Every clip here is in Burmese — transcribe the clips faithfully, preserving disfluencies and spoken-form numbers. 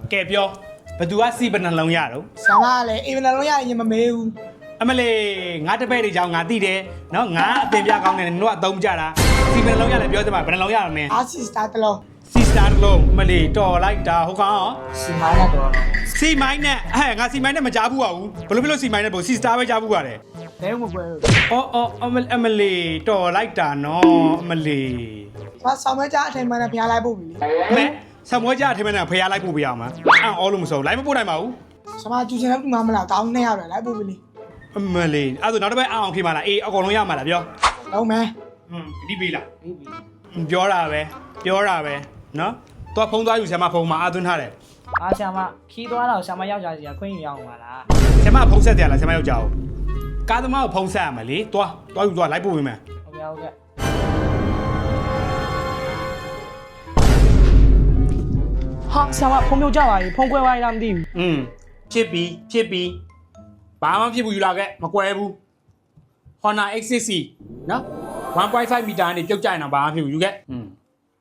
ကဲပြောဘသူကစီပနှလုံးရတော့ဆာမကလည်းအိမ်နှလုံးရရင်မမေးဘူးအမလေးငါတပည့်တွေကြောင့်ငါသိတယ်နော်ငါအပင်ပြကောင်းတယ်နင်တို့ကအသုံးကြတာစီပနှလုံးရလည်းပြောစမ်းပါဘယ်နှလုံးရမလဲအာစီစတာတလုံးစီစတာတစ်လုံးအမလေးတော်လိုက်တာဟုတ်ကောင်စီမိုင်းနဲ့တော့စီမိုင်းနဲ့အဲငါစီမိုင်းနဲ့မကြားဘူးပါဘူးဘလို့ဖြစ်လို့စီမိုင်းနဲ့ပေါ့စီစတာပဲကြားဘူးပါတယ်ဘဲမပွဲဘူးအော်အော်အမအမလေးတော်လိုက်တာနော်အမလေးဘာဆောင်မကြအထိုင်မှနဲ့ဖျားလိုက်ဖို့ပြီလေမဲဆံမွေးကြအထမင်းနဲ့ဖျားလိုက်ပို့ပြရမှာအံ့အောလို့မစုံလိုက်မပို့နိုင်ပါဘူးဆာမကျူချင်တဲ့ဘူးမလားကောင်းနေရတယ်လိုက်ဖို့ပြီလေအမလေးအဲ့ဒါနောက်တစ်ပတ်အောင်ဖြစ်မှာလားအေးအကုန်လုံးရမှာလားပြောလုံးမယ်ဟွန်းဒီပေးလားပြီးပြီပြောတာပဲပြောတာပဲနော်တော့ဖုံးသွားယူဆရာမဖုံးမှာအာသွင်းထားတယ်အားဆရာမခီးသွားတော့ဆရာမယောက်ျားစီကခွင့်ယူရအောင်ပါလားဆရာမဖုံးဆက်တယ်လားဆရာမယောက်ျားကိုကားသမားကိုဖုံးဆက်ရမယ်လေတွားတွားယူသွားလိုက်ပို့ပေးမယ်ဟုတ်ကဲ့ဟုတ်ကဲ့ ဟာဆရာမဖုံးပြုတ်ကြပါပြီဖုံးကွဲသွားရလားမသိဘူးอืมဖြစ်ပြီဖြစ်ပြီဘာမှဖြစ်ဘူးယူလာခဲ့မကွဲဘူး Honor เอ็กซ์ ซิกซ์ ซีနော် one point five မီတာနဲ့ပြုတ်ကြရင်တော့ဘာမှဖြစ်ဘူးယူခဲ့อืม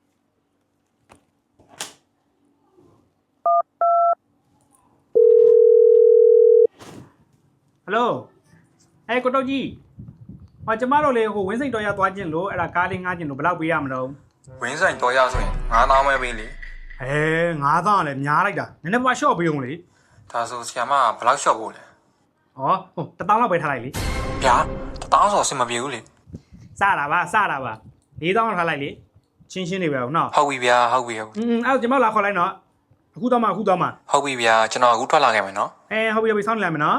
ဟယ်လိုအဲကိုတော့ကြီးဟောကျမတို့လေဟိုဝင်းစိန်တော်ရသွားခြင်းလို့အဲ့ဒါကားလေးငှားခြင်းလို့ဘယ်လောက်ပေးရမလို့ဝင်းဆိုင်တော်ရဆိုရင်ငါးသောင်းပဲပေးလေအဲငါးသောင်းကလည်းများလိုက်တာနည်းနည်းပါရှော့ပေးအောင်လေဒါဆိုဆီယမကဘယ်လောက်လျှော့ဖို့လဲဟောဟိုတစ်သောင်းလောက်ပဲထားလိုက်လေဗျာတစ်သောင်းဆိုအဆင်မပြေဘူးလေစတာပါစတာပါလေးသောင်းလောက်ထားလိုက်လေချင်းချင်းနေပဲဟုတ်နော်ဟုတ်ပြီဗျာဟုတ်ပြီဟုတ်อืมအဲ့တော့ကျမလာခေါ်လိုက်နော်အခုတော့မှအခုတော့မှဟုတ်ပြီဗျာကျွန်တော်အခုထွက်လာခဲ့မယ်နော်အဲဟုတ်ပြီဟုတ်ပြီစောင့်နေလိုက်မယ်နော်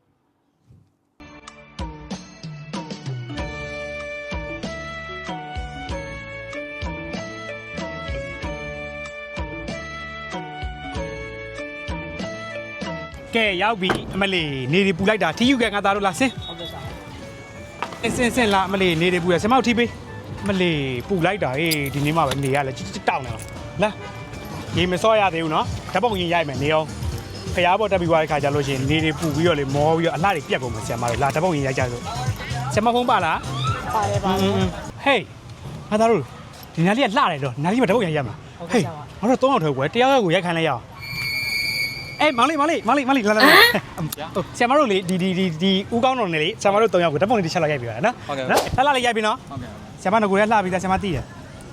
ကဲရောက်ပြီအမလေးနေဒီပူလိုက်တာထီယူကဲငါသားတို့လာဆင်းဟုတ်ကဲ့ဆရာအင်းစင်းစင်းလာအမလေးနေဒီပူရဆင်မောက်ထီပေးအမလေးပူလိုက်တာဟေးဒီနေ့မှပဲနေရလဲတောင်းနေတော့လာရေမစောရသေးဘူးနော်ဓာတ်ပုံရင်ရိုက်မယ်နေအောင်ဖျားပေါ်တက်ပြီးသွားတဲ့ခါကျလို့ရှိရင်နေဒီပူပြီးတော့လေမောပြီးတော့အလှတွေပြက်ကုန်မှာဆင်မလို့လာဓာတ်ပုံရင်ရိုက်ကြလို့ဆင်မဖုံးပါလားပါတယ်ပါဟေးငါသားတို့ဒီနားလေးကလှတယ်တော့နားလေးမှာဓာတ်ပုံရင်ရိုက်မှာဟုတ်ဟေးကဲ့ဆရာမငါတို့သုံးယောက်ထဲကွယ်တယောက်ယောက်ကိုရိုက်ခိုင်းလိုက်ရအောင်အေးမောင်လေးမောင်လေးမောင်လေးမောင်လေးလာလာလာဟုတ်ဆရာမတို့လေဒီဒီဒီဒီဦးကောင်းတော်နဲ့လေဆရာမတို့သုံးယောက်ကိုဓာတ်ပုံလေးတစ်ချက်လောက်ရိုက်ပြီးပါနော်နော်လှလှလေးရိုက်ပြီးနော်ဟုတ်ကဲ့ဆရာမတို့ကလှပြီးသားဆရာမသိရဒီ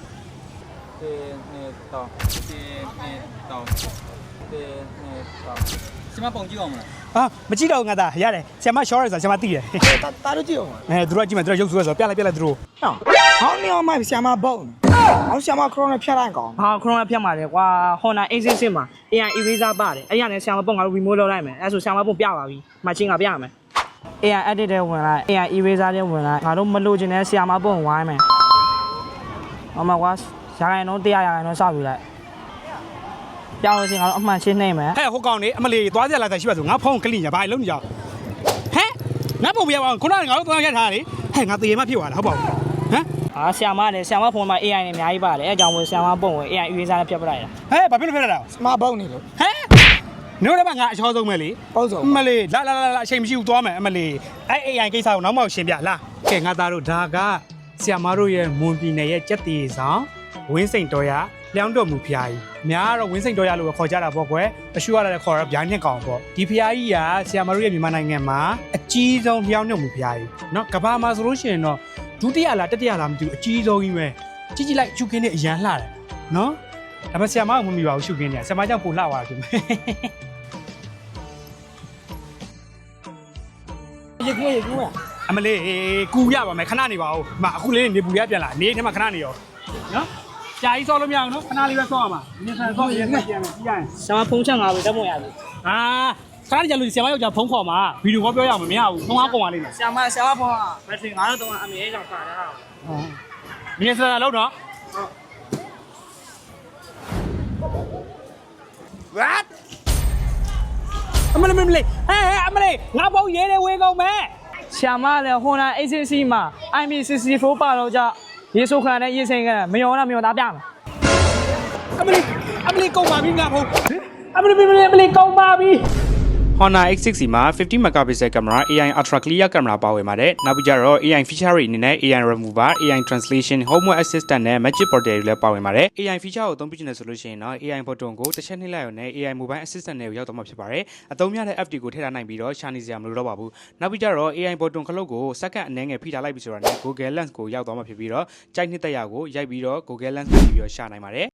နေ့တော့ဒီနေ့တော့ဒီနေ့တော့ဆီမပုံကြည့်အောင်မလားအာမကြည့်တော့ငါသားရတယ်ဆရာမ short ရယ်ဆိုဆရာမသိတယ်တာတာတို့ကြည့်အောင်အဲသူတို့ကကြည့်မယ်သူတို့ရုပ်ဆိုးဆိုပြလိုက်ပြလိုက်သူတို့ဟောဟောင်းနေအောင်မိုက်ဆာမဘုံဟောင်းဆာမခရိုနဲ့ဖျက်လိုက်ကောင်ဟာခရိုနာဖြတ်ပါတယ်ကွာ Honor เอ็กซ์ ซิกซ์ ซีမှာ အေ အိုင် eraser ပါတယ်အဲ့ရနဲ့ဆရာမပုံကတော့ remove လုပ်လိုက်မယ်အဲ့ဆိုဆရာမပုံပြပါပြီမချင်းကပြရမယ် အေ အိုင် edit တဲ့ဝင်လိုက် အေ အိုင် eraser တဲ့ဝင်လိုက်ငါတို့မလို့ခြင်းနဲ့ဆရာမပုံဝိုင်းမယ်ဟောမှာကွာရာခိုင်နှုန်းတရားရာခိုင်နှုန်းစောက်ယူလိုက်ပြောင်းလို့ရှိရင်ငါတို့အမှန်ချင်းနှိမ့်မယ်ဟဲ့ဟိုကောင်နေအမလီသွားကြလာတဲ့ရှိပါဆိုငါဖုန်းကလင်ညာဘာလုံးနေကြဟဲ့ငါပုံပြရအောင်ခုနကငါတို့သွားရက်ထားတာလေဟဲ့ငါတရေမဖြစ်သွားတာဟုတ်ပါဘူးဟမ်ဟာဆရာမလည်းဆရာမဖုန်းမှာ အေ အိုင် နဲ့အများကြီးပါတယ်အဲအကြောင်းမို့ဆရာမပုံဝင် အေ အိုင် eraser နဲ့ဖြတ်ပလိုက်တာဟဲ့ဘာဖြစ်လို့ဖြစ်လာတာဆာမဘုံနေလို့ဟဲ့နိုးတော့ငါအချောဆုံးပဲလေပုံစုံအမလီလာလာလာအချိန်မရှိဘူးသွားမယ်အမလီအဲ့ အေ အိုင် ကိစ္စကိုနောက်မှရှင်းပြလာကဲငါသားတို့ဒါကဆရာမတို့ရဲ့မွန်ပြည်နယ်ရဲ့ကြက်တီဆောင်ဝင်းစိန်တော်ရလျောင်းတော်မူဖျားကြီးများတော့ဝင်းစိန်တော်ရလို့ခေါ်ကြတာပေါ့ကွယ်အရှူရတဲ့ခေါ်ရဗျာညက်ကောင်ပေါ့ဒီဖျားကြီးကဆရာမတို့ရဲ့မြန်မာနိုင်ငံမှာအကြီးဆုံးလျောင်းတော်မူဖျားကြီးเนาะကဘာမှာဆိုလို့ရှိရင်တော့ဒုတိယလားတတိယလားမသိဘူးအကြီးဆုံးကြီးပဲကြီးကြီးလိုက်ရှုခင်းနဲ့အရန်လှတယ်เนาะဒါပေမဲ့ဆရာမကမမီပါဘူးရှုခင်းနဲ့ဆရာမကြောင့်ပိုလှသွားတာဖြစ်မယ်ရေကူးရေကူးရအမလေးကူရပါမယ်ခဏနေပါဦးမအခုလေးနေပူရပြန်လာနေထဲမှာခဏနေရောနော်ကြာကြီးစောလို့မရအောင်နော်ခဏလေးပဲစောရမှာနေဆန်စောရဲပြန်ပြန်ပြီးရရင်ဆရာမဖုန်းချက်ငါပဲတက်မွန်ရပြီအာခဏကြာလို့ဆရာမယောက်ျားဖုန်းခေါ်မှာဗီဒီယိုကောပြောရအောင်မရဘူးဖုန်းအားကုန်ပါလိမ့်မယ်ဆရာမဆရာမဖုန်းကဘက်ထရီငါတို့တော့အမေကြောင့်ခါတာနေဆန်လောက်တော့ what အမလေးမလေးဟဲ့အမလေးငါဖုန်းရေးတယ်ဝေးကုန်မယ်ဆရာမလည်း Honor เอ็กซ์ ซิกซ์ ซีမှာ အိုင် ပီ ซิกซ์တီဖိုး ပါတော့ကြရေဆိုခံနဲ့ရေစိန်ခံမယောလားမယောသားပြမယ်အမလေးအမလေးကုန်ပါပြီငါဖုန်းအမလေးမလေးအမလေးကုန်ပါပြီ Honor X six မှာfifty megapixel camera A I ultra clear camera ပါဝင်ပါတယ်နောက်ပြီးကြတော့ A I feature တွေအနေနဲ့ A I remover A I translation homework assistant နဲ့ magic portal တွေလည်းပါဝင်ပါတယ် A I feature ကိုအသုံးပြုနေဆိုလို့ရှိရင်တော့ A I button ကိုတစ်ချက်နှိပ်လိုက်ရုံနဲ့ A I mobile assistant နဲ့ရောက်တော့မှာဖြစ်ပါတယ်အသုံးများတဲ့ app တွေကိုထည့်ထားနိုင်ပြီးတော့ရှာနေစရာမလိုတော့ပါဘူးနောက်ပြီးကြတော့ A I button ခလုတ်ကိုစက္ကန့်အနည်းငယ်ဖိထားလိုက်ပြီဆိုတာနဲ့ Google Lens ကိုရောက်တော့မှာဖြစ်ပြီးတော့ကြိုက်နှစ်သက်ရာကိုရိုက်ပြီးတော့ Google Lens နဲ့ပြီးတော့ရှာနိုင်ပါတယ်